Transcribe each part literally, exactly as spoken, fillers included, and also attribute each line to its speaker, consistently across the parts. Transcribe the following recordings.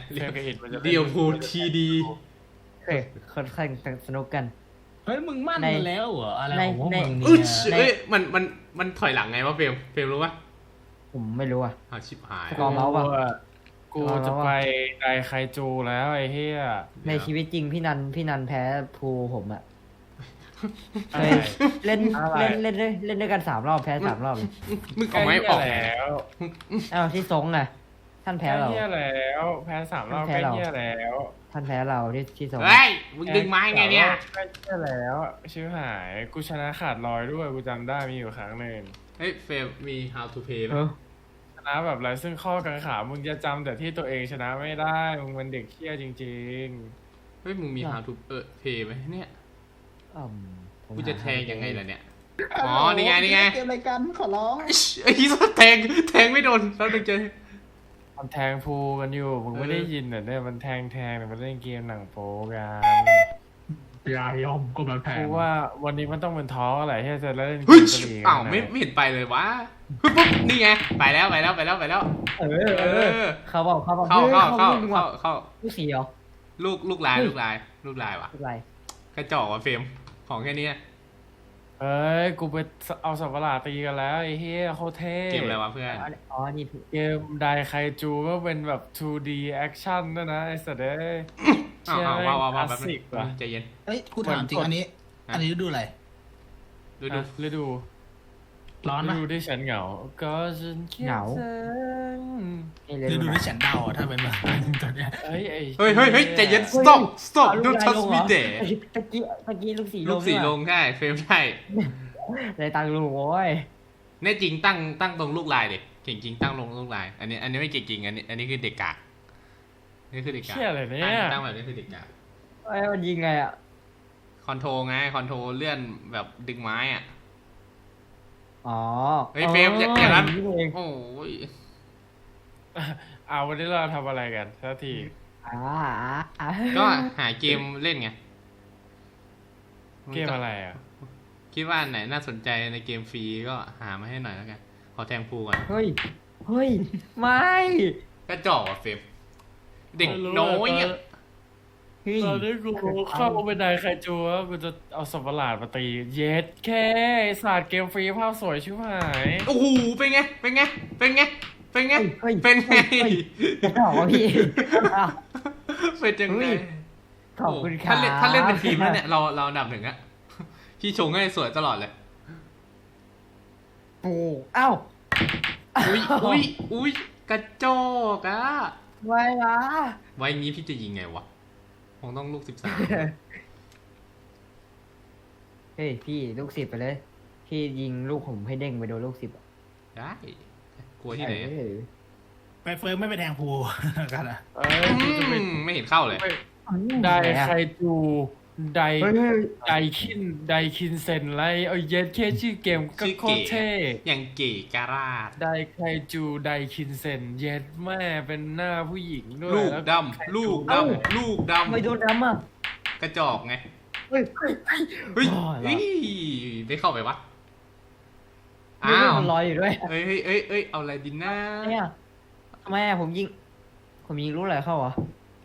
Speaker 1: เรียกอิดมันจะ
Speaker 2: เดียวพูทีดี
Speaker 3: เฮ้ยค่อนข้างสนุกกัน
Speaker 4: เฮ้ยมึงมั่นกันแล้วเหรออะไรของพวกมึง
Speaker 2: อุ้ย
Speaker 4: เนี่ย
Speaker 2: เอ้ยมันมันมันถอยหลังไงวะเฟรมเฟรมรู้ปะ
Speaker 3: ผมไม่รู้อ่ะ
Speaker 2: อ้าวชิบหาย
Speaker 3: สกอร์เมาส์ป่ะ
Speaker 1: กูจะไปไดไคจูแล้วไอ้เหี้ย
Speaker 3: ในชีวิตจริงพี่นันพี่นันแพ้ภูผมอ่ะเค
Speaker 1: อะไร
Speaker 3: ยเล่นเล่นเล่นเล่นเล่นด้วยกันสามรอบแพ้สามรอบเลย
Speaker 2: มึงเอาไม้ออก
Speaker 1: แล้ว
Speaker 3: อ้าวที่ซงไงท่านแพ้เรา
Speaker 1: เหี้ยแล้วแพ้สามรอบ
Speaker 3: แพ้
Speaker 1: แพ้
Speaker 3: เรา
Speaker 1: เหี้ยแล้ว
Speaker 3: ท่านแพ้เราที่ที่ซง
Speaker 2: เฮ้ยมึงดึงไม้ไงเนี่ย
Speaker 1: แพ้เหี้ยแล้วชิบหายกูชนะขาดลอยด้วยกูจำได้มีอยู่ครั้งหนึ่ง
Speaker 2: เฮ้ยเฟรมมี how to play ไหม
Speaker 3: เออ
Speaker 1: ชนะแบบไรซึ่งข้อกังขามึงจะจำแต่ที่ตัวเองชนะไม่ได้มึงเป็นเด็กเหี้ยจริง
Speaker 2: เฮ้ยมึงมี how to เออ play ไหมเนี่ย
Speaker 3: อืมผม
Speaker 2: กูจะแทงยังไง
Speaker 3: หา
Speaker 2: ล่ะเนี่ยอ๋อนี่ไงนี่ไง
Speaker 5: เกมรายการขอร้อง
Speaker 2: ไอ้ยี่สแทงแทงไม่โดนแล้วดึงเจอ
Speaker 1: ๆมันแทงพูกันอยู่มึงไม่ได้ยินเหรอเนี่ยมันแทงแทงเนี่ยมันเล่นเกมหนังโป๊กัน
Speaker 4: ยาย่อมก็มาแพ
Speaker 1: กู
Speaker 4: ง
Speaker 1: ว่าวันนี้มันต้องเป็นท้ออะไรที่จะเล่นเก
Speaker 2: เฮ้ย
Speaker 1: มกะหรี่กัน
Speaker 2: อ้าวไม่ไม่เห็นไปเลยวะปุ๊บปุ๊บนี่ไงไปแล้วไปแล้วไปแล้วไปแล้ว
Speaker 3: เออเออเขาบอกเขาบอก
Speaker 2: เข้าเข้าเข้า
Speaker 3: ลูก
Speaker 2: เข้าเข้า
Speaker 3: ลูกสีเหรอ
Speaker 2: ลูกลูกลายลูกลายลูกลายวะ
Speaker 3: ลูกอะไร
Speaker 2: กระจอกว่ะเฟรมของแค่นี้
Speaker 1: เอ้ยกูไปเอาสับประหลาดตีกันแล้วไอ้เฮียโคตรเท่
Speaker 2: เกมอะไรวะเพื่อน
Speaker 3: อ๋อนี่ถูก
Speaker 1: เกมไดไคจูก็เป็นแบบ ทูดี action ด้วยนะไอ้สัตว์เอ้ย
Speaker 2: อ้าว
Speaker 1: เชี่ย
Speaker 2: อ้าว
Speaker 1: แม่ง
Speaker 2: ว้าว
Speaker 1: ค
Speaker 2: ว้าว
Speaker 1: ลาส
Speaker 2: แป๊บนึ
Speaker 1: สิก
Speaker 2: ง
Speaker 1: ว่ะ
Speaker 2: ใจเย็น
Speaker 5: เอ้ยกูถามจริงอันนี้ อันนี้ดูอะไร
Speaker 2: ดูดู
Speaker 1: อ่ะฤดู
Speaker 4: ร้อน
Speaker 1: ฤ
Speaker 4: ปะ
Speaker 1: ดูที่ฉันเหงา ก็ฉันคิดถึง
Speaker 3: นี่เลย
Speaker 5: คือดู
Speaker 3: นะ
Speaker 5: ที่ฉันเดาอะถ้าเป็นแบบตอนเนี้ย
Speaker 1: เฮ้ยไอ้
Speaker 2: เฮ้ยเฮ้ยเฮ้ยใจเย็น stop stop
Speaker 3: เอาลูก
Speaker 2: don't
Speaker 3: ลาย
Speaker 2: touch
Speaker 3: ลง
Speaker 2: me
Speaker 3: เหรอ
Speaker 2: there
Speaker 3: ตะกี้ตะกี้ลูกสีลง
Speaker 2: ลูกสีลงใช่เฟรมใช่
Speaker 3: ในตังลูกโว้ย
Speaker 2: แน่จริงตั้งตั้งตรงลูกลายดิเก่งจริงตั้งลงลูกลาย อันนี้อันนี้ไม่เก่งจริงอันนี้อันนี้คือเด็กกากนี่คือเด็กกาก
Speaker 1: เชี่ยอะไรเนี่
Speaker 2: ตั้ง
Speaker 1: ย
Speaker 2: ตั้งแบบนี้คือเด็กกาก
Speaker 3: ไอ้มันยิงไงอ่ะ
Speaker 2: คอนโทรไงคอนโทรเลื่อนแบบดึงไม้อ่ะ
Speaker 3: อ๋อ
Speaker 2: เฮ้ยเฟรมอย่าอย่างนั้น
Speaker 3: เอง
Speaker 2: โอ้ย
Speaker 1: เอาวันนี้เราทำอะไรกันสักที
Speaker 3: อ่าอ่า
Speaker 2: ก็หาเกมเล่นไง
Speaker 1: เกมอะไรอ่ะ
Speaker 2: คิดว่าอันไหนน่าสนใจในเกมฟรีก็หามาให้หน่อยแล้วกันขอแทงพูก่อน
Speaker 3: เฮ้ยเฮ้ยไม่
Speaker 2: กระจอกอ่ะเฟรมเด็กน้อยอ่ะ
Speaker 3: เฮ้ย
Speaker 1: ตอนนี้กูเข้าไปไดไคจูแล้วกูจะเอาสับประหลาดมาตี เย็ดแค่ไอ้ศาสตร์เกมฟรีภาพสวยชิบหาย
Speaker 2: โอ้โหเป็นไงเป็นไงเป็นไงเป็นไง
Speaker 3: เฮ้ย
Speaker 2: เป็นไง
Speaker 3: จะบอกว่าพี่อ้าว
Speaker 2: เป็นจัง
Speaker 3: เฮ้
Speaker 2: ไง
Speaker 3: ย ขอบคุณครับ
Speaker 2: ถ้าเล่นถ้าเล่นเป็นทีมแล้วเนี่ยเราเราอันดับหนึ่งอะพี่ชงให้สวยตลอดเลย
Speaker 3: ปูเอ้า
Speaker 2: อุ้ยอุ้ยอุ้ยกระจอกอะ
Speaker 3: ไว้ละ
Speaker 2: ไว้งี้พี่จะยิงไงวะคงต้องลูกสิบสาม
Speaker 3: เฮ้ยพี่ลูกสิบไปเลย พี่ยิงลูกผมให้เด้งไปโดนลูกสิบ
Speaker 2: ได้กลัวที่ไหน
Speaker 3: เออ
Speaker 5: ไปเฟิร์มไม่ไปแทงพูกันอะ
Speaker 1: เอ้ยกูจะไป
Speaker 2: อืมไม่เห็นเข้าเลย
Speaker 1: ไดไคจูได
Speaker 3: เฮ้ยเฮ้ย
Speaker 1: ไดคินไดคินเซนไรเอาเย็ดแค่ชื่อเกมก็
Speaker 2: ชื่อ
Speaker 1: โค
Speaker 2: เก๋
Speaker 1: ตรเท่
Speaker 2: อย่างเก๋การาด
Speaker 1: ไดไคจูไดคินเซนเย็ดแม่เป็นหน้าผู้หญิงด้วย
Speaker 2: ลูก
Speaker 1: แล้ว
Speaker 2: ดำลูกดำลูกด
Speaker 3: ไม่โดนดำอ่ะ
Speaker 2: ำกระจอกไง
Speaker 3: เฮ้ยเฮ้ยเฮ้ย
Speaker 2: เฮ้ย
Speaker 3: อ๋อเหรอ
Speaker 2: เฮ้ยไม่เข้าไปวะ
Speaker 3: มี
Speaker 2: อ้า
Speaker 3: ลูก
Speaker 2: ว
Speaker 3: มันลอยอยู่ด้วย
Speaker 2: เอ้ยเอ้ยเอ้ยเอ้ยเอาอะไรดินนะ
Speaker 3: เนี่ยทำไมอะผมยิง ผมยิงลูกอะไรเข้าเหรอ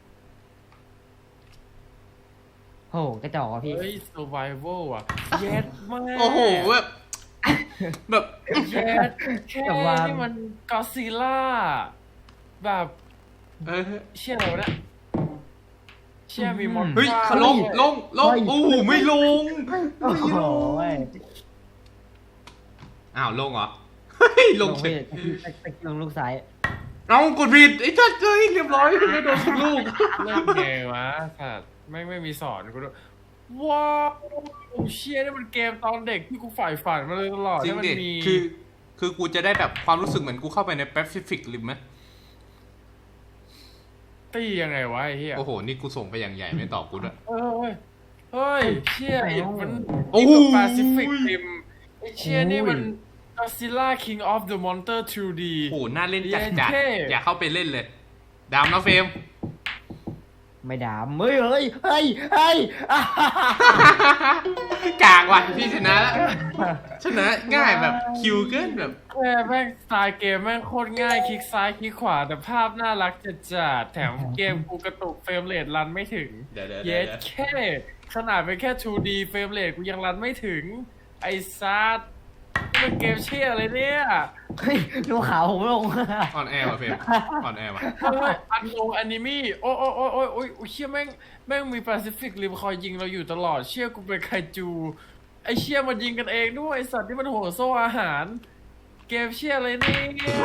Speaker 3: โหกระจอกอ่ะพี่
Speaker 1: เฮ้ย survival อ่ะเย็ดแม่
Speaker 2: โอ้โหแบบแบบ
Speaker 1: เย็ดแค่นี่มันกอซิล่าแบบ
Speaker 2: เออ
Speaker 1: เชี่ยอะไรวะเนี่ยเชี่ยมีมอน
Speaker 2: เฮ้ยลงลงลงโอ้โหไม่ลง
Speaker 3: โอ้โห
Speaker 2: อ้าวลงเหรอเฮ้ยลงเฉ
Speaker 3: ไป
Speaker 2: ย
Speaker 3: ตะกี้ลงลูกซ้าย
Speaker 2: เอากดผิดไอ้จัดเฮ้ยเรียบร้อยไม่โดนสักลูก
Speaker 1: เล่นไงวะสัตว์ไม่ไม่มีสอนกูด้วยว้าวเชี่ยนี่มันเกมตอนเด็กที่กูฝ่ายฝันมาเลยตลอด
Speaker 2: จริง
Speaker 1: ที่มัน
Speaker 2: ดิ
Speaker 1: มี
Speaker 2: คือ คือกูจะได้แบบความรู้สึกเหมือนกูเข้าไปในแปซิฟิกริมไหม
Speaker 1: ตียังไงวะไอ้เหี้ย
Speaker 2: โอ้โหนี่กูส่งไปอย่างใหญ่ไม่ตอบกูด้วย
Speaker 1: เฮ้ยเฮ้ยเชี่ยมัน
Speaker 2: โอ้
Speaker 1: นี่
Speaker 2: โห
Speaker 1: กับ Pacific Rim ไอ้เชี่ยนี่มัน Godzilla King of the Monster ทู ดี
Speaker 2: โอ้โหน่าเล่นจัด
Speaker 1: เย้
Speaker 2: จัด
Speaker 1: เท่
Speaker 2: อย่าเข้าไปเล่นเลยดามนะเฟรม
Speaker 3: ไม่ด่าเฮ้ยเฮ้ยเฮ้ยเฮ้ยอ่ะ
Speaker 2: กากว่ะพี่ชนะแล้วชนะง่ายแบบคิวเกินแบบ
Speaker 1: แม่แม่งสไตล์เกมแม่งโคตรง่ายคลิกซ้ายคลิกขวาแต่ภาพน่ารักจัดจัดแถมเกมกูกระตุกเฟรมเรทรันไม่ถึง
Speaker 2: เดี๋ยวเดี๋ยว
Speaker 1: เย็
Speaker 2: เดี๋ยว
Speaker 1: ดแค่ขนาดเป็นแค่ ทู ดี เฟรมเรทกูยังรันไม่ถึง ไอ้ซัดนี่มันเกมเชี่ยอะไรเนี่ย
Speaker 3: เฮ้ยดูขาวผมลง
Speaker 2: ออนแอร์ว่ะเฟรมออนแอร์ว่ะ
Speaker 1: เฮ้ยอันโนแอนิมี่โอ้โอ้โอ้โอ้โอ้ยโอ้ยเชี่ยแม่งแม่งมีแปซิฟิกริมคอยยิงเราอยู่ตลอดเชี่ยกูเป็นไคจูไอเชี่ยมันยิงกันเองด้วยไอสัตว์ที่มันโหโซ่อาหาร เกมเชี่ยอะไรเนี่ย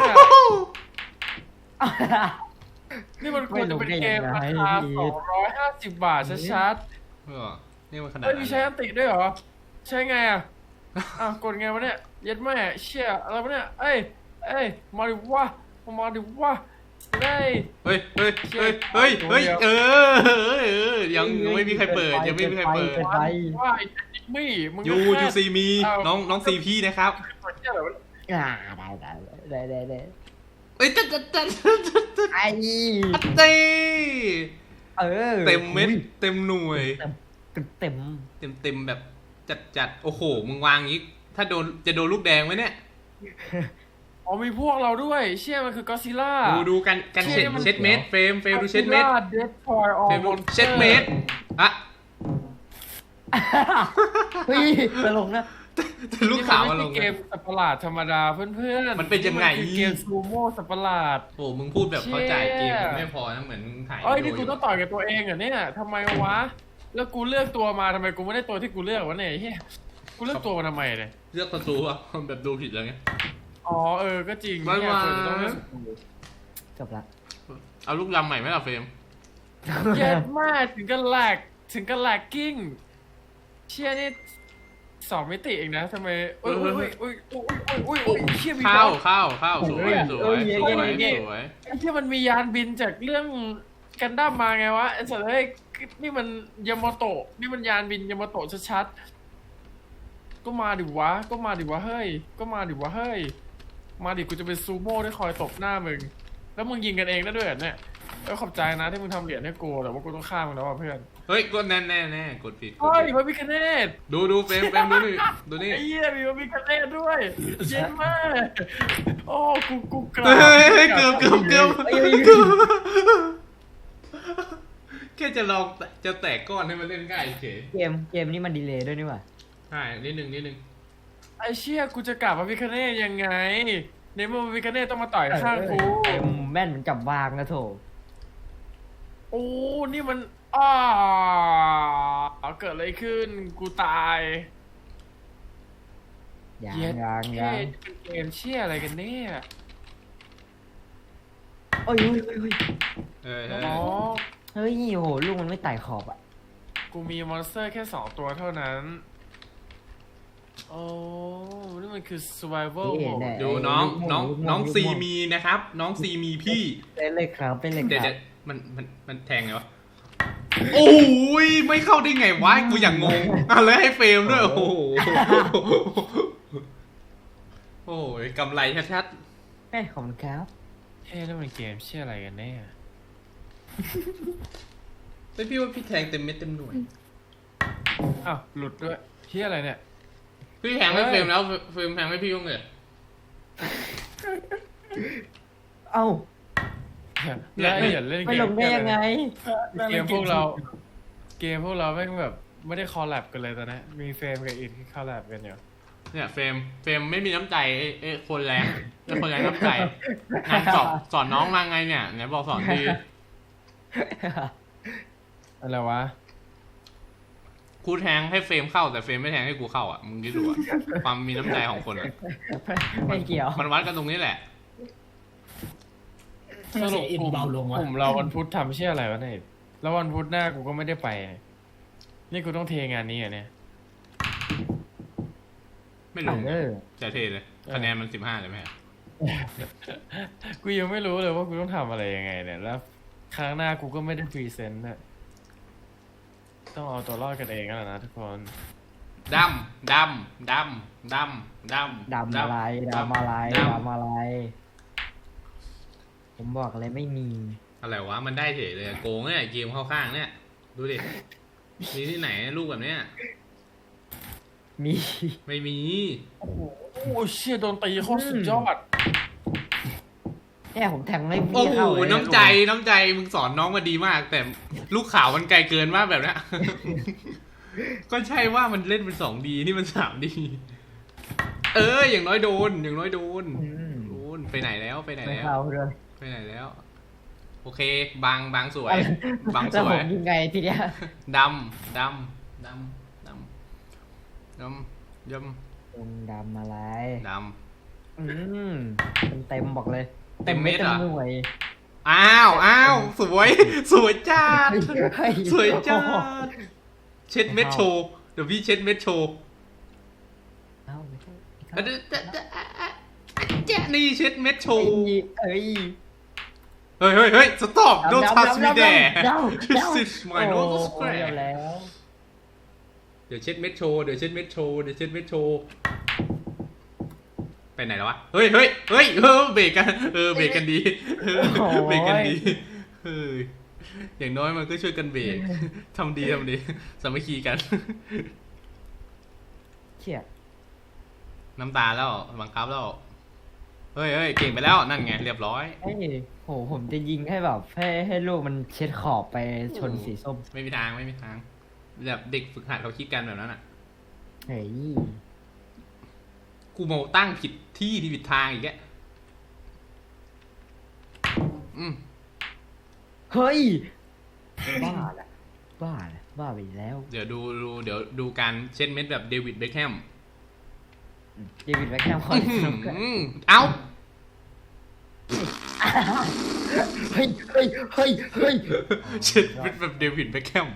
Speaker 1: นี่มันควรจะเป็นเกมราคาสองร้อยห้าสิบบาทชัด
Speaker 2: เออนี่มันข
Speaker 1: ๆ
Speaker 2: นาด
Speaker 1: เฮ้ย
Speaker 2: นั้
Speaker 1: มี
Speaker 2: น
Speaker 1: ใช้อันติด้วยเหรอใช้ไงอ่ะอ้าวกดไงวะเนี่ยเย็ดแม่เชี่ยอะไรวะเนี่ยเอ้ยเอ้ยมาดิวะมาดิวะได้
Speaker 2: เฮ้ยเฮ้ยเฮ้ยเฮ้ยเฮ้ยเออเออเออยังไม่มีใครเปิดยังไม่มีใครเปิด
Speaker 3: ไป
Speaker 1: ว่าไอ้แอนิมี่มึง
Speaker 2: ยูยูซีมีน้องน้องซีพี่นะครับ
Speaker 1: เชี่ยอะไรวะ
Speaker 3: อ่าได้ได้ได้ได้ได้
Speaker 2: เอ้ยตัดตัดตัดตัด
Speaker 3: ไอ้
Speaker 2: เต้
Speaker 3: เออ
Speaker 2: เต็มเม็ดเต็มหน่วย
Speaker 3: เต็มเต็ม
Speaker 2: เต็มเต็มแบบจัดจัดโอ้โหมึงวางงี้ถ้าโดนจะโดนลูกแดงไหมเนี่ย
Speaker 1: อ๋อมีพวกเราด้วยเชี่ยมันคือกอซิล่า
Speaker 2: ดูดูกันกันเช็ดเช็ดเม็ดเฟรมเฟรมดูเช็ดเม็ด
Speaker 1: เดสทอยออ
Speaker 2: เฟรมดูเช็ดเม็ดอะ
Speaker 3: เฮ้ยตลกนะ
Speaker 2: ลูกขาวมาลง
Speaker 1: เกมสัตว์ประหลาดธรรมดาเพื่อนๆ
Speaker 2: มันเป็นยังไง
Speaker 1: คือเกมซูโม่สัตว์ประหลาด
Speaker 2: โอ้มึงพูดแบบเข้าใจเกมไม่พอนะเหมือนถ่าย
Speaker 1: เอ้ย
Speaker 2: วิ
Speaker 1: นี่
Speaker 2: ดี
Speaker 1: กู
Speaker 2: โอ
Speaker 1: ต้องต่อยกับตัวเองเหรอเนี่ยทำไมวะ แล้วกูเลือกตัวมาทำไมกูไม่ได้ตัวที่กูเลือกวะเนี่ยเฮียกูเลือกตัวมาทำไมเนี่ย
Speaker 2: เลือกศัตรูอะแบบดูผิดแล้วไง
Speaker 1: อ๋อเออก็จริง
Speaker 2: ไม่
Speaker 1: เนี่ย
Speaker 2: ว่า
Speaker 1: ควรจะต้องเลือก
Speaker 3: จบละ
Speaker 2: เอาลูกลำใหม่ไหมล่ะเฟรม
Speaker 1: เย็ดมากถึงกันแหลกถึงกันแหลกกิ้งเชี่ยนี่สองมิติเองนะทำไมอุ้ยอุ้ยอุ้ยอุ้ยอุ้ยอุ้ยอุ้ยเชี่ยมี
Speaker 2: ข้าว
Speaker 1: บอล
Speaker 2: ข้าวข้าวสวยสวยสวยสวย
Speaker 1: ไอ้ที่มันมียานบินจากเรื่องกันดั้มมาไงวะไอ้สัตว์เฮ้ยนี่มันยามาโตะนี่มันยานบินยามาโตะชัดๆก็มาดิวะ ก็มาดิวะเฮ้ย ก็มาดิวะเฮ้ย มาดิกูจะเป็นซูโม่ที่คอยตบหน้ามึง แล้วมึงยิงกันเองได้ด้วยเหรอเนี่ยเออขอบใจนะที่มึงทำเหรียญให้กูแต่ว่ากูต้องฆ่ามึงแล้วว่ะเพื่อน
Speaker 2: เฮ้ยกดแน่แน่แน่กดผิด
Speaker 1: เฮ้ยพระพิคเนต
Speaker 2: ดูดูเฟรมเฟรมดูนี่ดูนี่
Speaker 1: ไอ้เหี้ยมีพระพิคเนตด้วยเย็นมากโอ้กูกูกราบ
Speaker 2: เฮ้ยเกือบเกือบเกือบเกือบแค่จะลองจะแตกก้อนให้มันเล่นง่ายเฉย
Speaker 3: เกมเกมนี้มันดีเลย์ด้วยนี่หว่า
Speaker 2: ใช่นิดนึงนิดนึง
Speaker 1: ไอ้เชี่ยกูจะกราบพระพิคเนตยังไงในเมื่อพระพิคเนตต้องมาต่อยข้างกู
Speaker 3: เกมแม่นเหมันจับวางนะโถ
Speaker 1: โอ้ นี่มันอ้าเกิดอะไรขึ้น กูตาย
Speaker 3: ยัง
Speaker 1: เย็ด
Speaker 3: ยัง
Speaker 1: เท่
Speaker 3: ยัง
Speaker 1: เป็นเกมเชี่ยอะไรกันเนี่ย
Speaker 3: โอ้ยเฮ้ยเฮ้ยเฮ้ย
Speaker 2: เออเออ
Speaker 1: อ๋อ
Speaker 3: เฮ้ยโหลูกมันไม่ไต่ขอบอ่ะ
Speaker 1: กูมีมอนสเตอร์แค่สองตัวเท่านั้น โอ้ นี่มันคือ survival
Speaker 3: นี่
Speaker 1: mode
Speaker 3: แน่
Speaker 2: ดูน้องน้อง
Speaker 3: ลูกม่วง
Speaker 2: น้อง
Speaker 3: ลูกม่วง
Speaker 2: ซีมีนะครับ น้องซีมีพี่
Speaker 3: เล่นเลยครับเป็นเลย
Speaker 2: เดี๋ยว
Speaker 3: ครั
Speaker 2: เดี๋ย
Speaker 3: บ
Speaker 2: วมันมันมันแทงไงวะโอ้ยไม่เข้าได้ไงวะกูอย่างงงอ่ะแล้วให้เฟรมด้วยโอ้โหโอ้ยกำไรชัด
Speaker 3: เฮ้ยขอบคุณครับ
Speaker 1: เฮ้ยแล้วมันเกมเชี่ยอะไรกันแน่
Speaker 2: ๆไม่พี่ว่าพี่แทงเต็มเม็ดเต็มหน่วย
Speaker 1: อ้าว หลุดด้วยเชี่ยอะไรเนี่ย
Speaker 2: พี่แทงให้เฟรมแล้วเฟรมแทงให้พี่บ้างเลย
Speaker 3: เอ้า
Speaker 1: แล้วไอ้อย่าเล่นเกม
Speaker 3: ไม่ลงได้ยังไง
Speaker 1: เกมพวกเรา เกมพวกเราแม่งแบบไม่ได้คอลแลบกันเลยตอนนี้มีเฟรมกับอินที่คอลแลบกันอยู่
Speaker 2: เนี่ยเฟรมเฟรมไม่มีน้ำใจเอ้เอ้คนแรงเอ้คนแรงน้ำใจงานสอนสอนน้องมาไงเนี่ยไหนบอกสอนดี
Speaker 1: อะไรวะ
Speaker 2: กูแทงให้เฟรมเข้าแต่เฟรมไม่แทงให้กูเข้าอ่ะมึงคิดดูอ่ะความมีน้ำใจของคนอ่ะ
Speaker 3: ไม่เกี่ยว
Speaker 2: มันวัดกันตรงนี้แหละ
Speaker 1: สรุป
Speaker 5: อิน
Speaker 1: กลุ่ม
Speaker 5: เบาลงวะ
Speaker 1: กลุ่มเราวันพุธทำเชี่ยอะไรวะเนี่ยแล้ววันพุธหน้ากูก็ไม่ได้ไป นี่กูต้องเทงานนี้อ่ะเนี่ย
Speaker 2: ไม่รู้
Speaker 3: เออ
Speaker 2: จะเทเลยคะแนนมันสิบห้าเลยไหม
Speaker 1: กูยังไม่รู้เลยว่ากูต้องทำอะไรยังไงเนี่ยแล้วครั้งหน้ากูก็ไม่ได้พรีเซนต์น่ะต้องเอาตัวรอดกันเองแล้วนะทุกคน
Speaker 2: ดำดำดำดำดำ
Speaker 3: ดำอะไรดำอะไร
Speaker 2: ดำ
Speaker 3: ดำอะไร ผมบอกอะไรไม่มี
Speaker 2: ออะไรวะมันได้เฉยเลยโกงเนี่ยเกมเข้าข้างเนี่ยดูดิมีที่ไหนลูกแบบเนี้ย
Speaker 3: มี
Speaker 2: ไม่มี
Speaker 1: โอ้โหเชี่ยโดนตีโคตรสุดยอด
Speaker 3: เนี่ยผมแทงไม่
Speaker 2: โอ้
Speaker 3: พี่
Speaker 2: โห
Speaker 3: เข้าเลย
Speaker 2: น้ำใจน้ำใจมึงสอนน้องมาดีมาก แต่ลูกข่าวมันไกลเกินมากแบบเนี้ย ก็ใช่ว่ามันเล่นเป็นสองดีนี่มันสามดีเอออย่างน้อยโดน อย่างน้อยโดน
Speaker 3: อืม
Speaker 2: โดนไปไหนแล้วไปไหน
Speaker 3: ไม่
Speaker 2: แล้ว
Speaker 3: เข้าเลย
Speaker 2: ไปไหนแล้ว โอเค บางบางสวย บาง
Speaker 3: แล้
Speaker 2: ส
Speaker 3: ว
Speaker 2: ว
Speaker 3: ผ
Speaker 2: ย
Speaker 3: มยิงไงทีเนี้ย
Speaker 2: ดำดำดำดำดำย
Speaker 3: ลงดำอะไร
Speaker 2: ำด
Speaker 3: อืมเต็มเต็มๆบอกเลย
Speaker 2: เต็มเม็ดเหรอ
Speaker 3: ต็หน่วย
Speaker 2: ำอ้าวอ้าวสวย สวยจัด
Speaker 3: เฮ้ย
Speaker 2: สวยจั
Speaker 3: โอ้โห
Speaker 2: ดเช็ดเม็ดโชว์เดี๋ยวพี่เช็ดเม็ดโชว์
Speaker 3: เอ้าไม่ใช่ไม่
Speaker 2: อ่ะ
Speaker 3: เข้า
Speaker 2: เดี๋ยวเดี๋ยวเดี๋ยวอ่ะอ่ะแจ๊ะนี่เช็ดเม็ดโช
Speaker 3: เอ้
Speaker 2: ว์
Speaker 3: ยเอ้ย
Speaker 2: เฮ้ยเฮ้ยเฮ้ย stop don't
Speaker 3: ดำ
Speaker 2: touch
Speaker 3: ดำ
Speaker 2: me
Speaker 3: ดำ
Speaker 2: there
Speaker 3: ดำดำ
Speaker 2: this is my
Speaker 3: โอ้
Speaker 2: nose
Speaker 3: โห
Speaker 2: square
Speaker 3: เดี๋ยวแล้ว
Speaker 2: เดี๋ยวเช็ดเม็ดโชว์เดี๋ยวเช็ดเม็ดโชว์เดี๋ยวเช็ดเม็ดโชว์ไปไหนแล้ววะเฮ้ยเฮ้ยเฮ้ยเออเบรกกันเออเบรกกันดีเออเบรกกันดีเอออย่างน้อยมันก็ช่วยกันเบรกทำดีทำดีสามัคคีกัน
Speaker 3: เชี่ย
Speaker 2: น้ำตาแล้วบังคับแล้วเฮ้ยเฮ้ยเก่งไปแล้วนั่นไงเรียบร้อย
Speaker 3: เอ้ยโหผมจะยิงให้แบบให้ให้ลูกมันเช็ดขอบไปชนสีส้ม
Speaker 2: ไม่มีทางไม่มีทางแบบเด็กฝึกหัดเขาคิดกันแบบนั้นอ่ะ
Speaker 3: เฮ้ย
Speaker 2: กูมาตั้งผิดที่ที่ผิดทางอีกแกอืม
Speaker 3: เฮ้ยบ้าละบ้าละบ้าไปแล้ว
Speaker 2: เดี๋ยวดูดูเดี๋ยวดูการเช็ดเม็ดแบบเดวิดเบคแฮม
Speaker 3: เดวิดแบ็คแฮมคอยสนุก
Speaker 2: อืมเอ้า
Speaker 3: เฮ้ยเฮ้ยเฮ้ยเฮ้ย
Speaker 2: เช็ดเม็ดแบบเดวิดเบคแฮม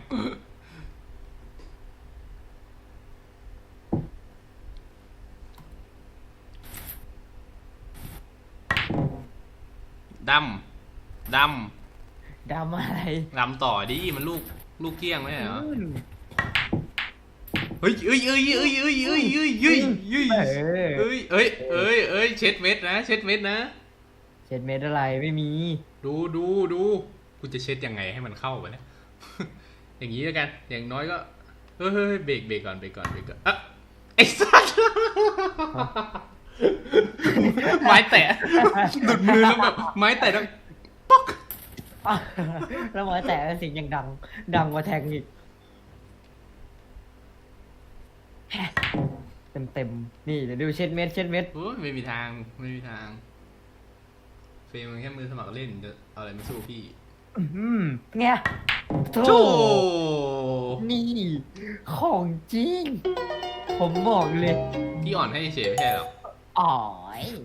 Speaker 2: ดำด
Speaker 3: ดำอะไร
Speaker 2: ำดำต่อดิมันลูกลูกเกี้ยงไหมเหรอ
Speaker 3: อืม
Speaker 2: เฮ้ยเอ้ยเอ้ยเอ้ยเอ้ยเอ้ยเอ้ยเอ้ยเอ้ย
Speaker 3: เออ
Speaker 2: เอ้ยเอ้ยเอ้ยเอ้ยเช็ดเม็ดนะเช็ดเม็ดนะ
Speaker 3: เช็ดเม็ดอะไรไม่มี
Speaker 2: ดูดูดูกูจะเช็ดยังไงให้มันเข้าไปเนี่ย อย่างนี้แล้วกัน อย่างน้อยก็เฮ้ยเฮ้ยเบรกเบรกก่อนเบรกก่อนเบรกก่อนอ่ะไอ้สัส ไม้แตะหลุดมือแล้วแบบไม้แตะแล้วป๊อก
Speaker 3: แล้วหมอแต่เสียงยังดัง ดังกว่าแทงอีกเต็มเต็มๆนี่เดี๋ยวดูเช็ดเม็ดเช็ดเม็ด
Speaker 2: โอ้ยไม่มีทางไม่มีทางเฟรมมันแค่มือสมัครเล่นจะเอาอะไรมาสู้พี่
Speaker 3: อืมไงโธ่
Speaker 2: โจ้
Speaker 3: นี่ ของจริง ผมบอกเลย
Speaker 2: พี่อ่อนให้เฉยไม่ใช่หรอ
Speaker 3: อ๋อย